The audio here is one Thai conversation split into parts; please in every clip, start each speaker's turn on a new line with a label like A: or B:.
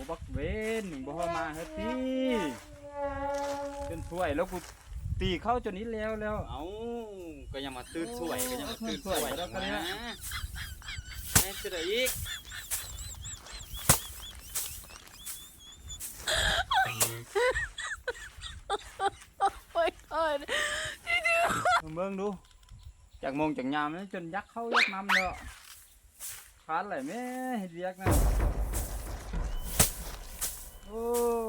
A: บักเวนหนึ่งบ่มาเฮ็ดสิจนช่วยแล้วกูตีเข้าจนนี้แล้ว
B: เอาก็ยังมาตื้นสวยก็ยังมาตื้นสวยแล้วกันนะแม่จะได้อีก
C: โอ้ยโอ้ย
A: เบิ่งดูจากโมงจากยามนั้นจนยักเข้ายักน้ำแล้วคานไหลแม่เฮ็ดเวียกนะโอ้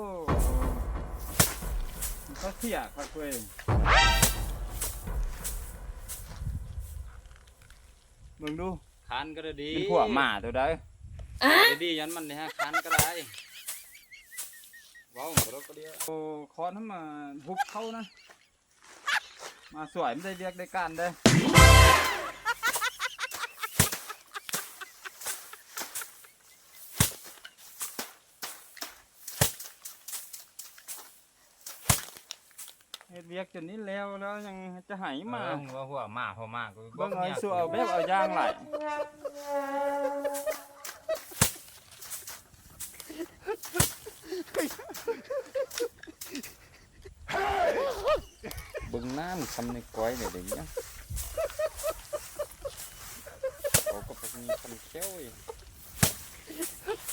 A: มันก็เสียครับเว้ยเบิ่งดู
B: คันก็ได้ดี
A: เป็นพวกหมาตัวใด
B: ดียันมันนี่ฮะคันก็ได้ว้าวรถก็เดียว
A: โอ้คอนทำมาหุบเข้านะมาสวยไม่ได้เรียกได้การได้เฮ็ดเรียกจนนี้แล้วยังจะหายมา
B: ว่าหัวหมาหัวหมากู
A: เบิ่งเอาสู้เอาแบบเอาย่างไหลเบิ่งน้ำทำในก้อยเนี่ยเดี๋ยวนี้เขาก็เป็นคำเขี้ยวอีก